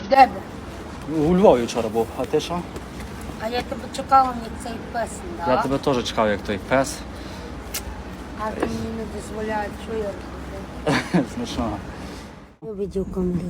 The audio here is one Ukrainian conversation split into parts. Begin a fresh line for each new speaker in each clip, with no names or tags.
Де би?
У Львові вчора був, а ти що?
А я тебе чекала, як цей пес не дав.
Я тебе теж чекав, як той пес.
А ти мені не дозволяєш, що я роблю?
Смішно.
Я видів камери.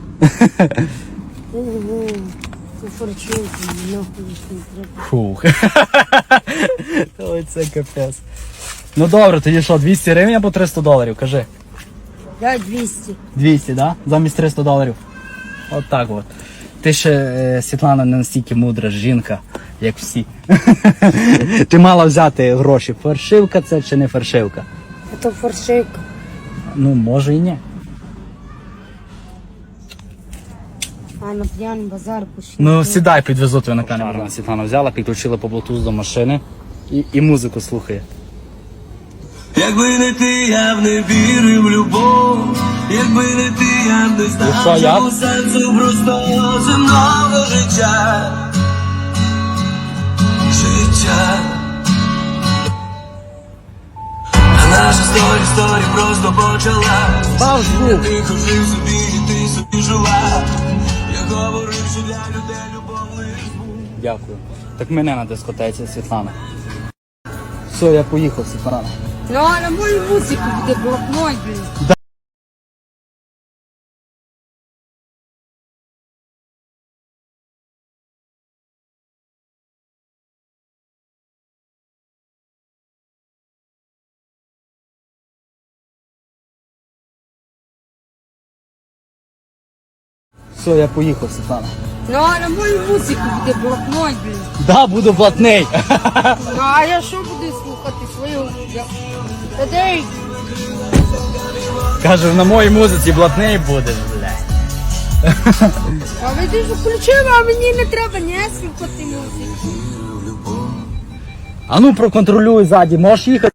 Це форчунки, нахуй їх не треба.
Фух. Ой, це капець. Ну добре, тоді що, 200 гривень або 300 доларів, кажи.
Дай 200.
200, да? Замість 300 доларів. От так от. Ти ще, Світлана, не настільки мудра жінка, як всі. Ти мала взяти гроші. Фальшивка це чи не фальшивка?
Це форшивка.
Ну, може і ні.
А на п'яний базар пішли.
Ну, сідай, підвезу тебе на камеру. Світлана взяла, підключила по Bluetooth до машини і музику слухає.
Якби не ти, я б не вірив в любов. Якби не ти, я б не знав цього сенсу простого земного життя. А наша сторі просто почала.
Бав звук.
Ти жив собі, і ти собі жила. Я говорив, що для людей любов лиш звук.
Дякую. Так мене на дискотеці, Світлана. Все, я поїхав, Світлана.
Ну, а на мою музику буде блокнот, блін.
Все, я поїхав, Світлана.
Ну, а на мою музику буде блокнот, блін.
Да, буду блатний.
Ну, а я що буду слухати свою? Та де й?
Кажу, на моїй музиці блатний будеш, блядь.
А ви дуже включили, а мені не треба ні слухати музику.
А ну проконтролюй ззаді, можеш їхати?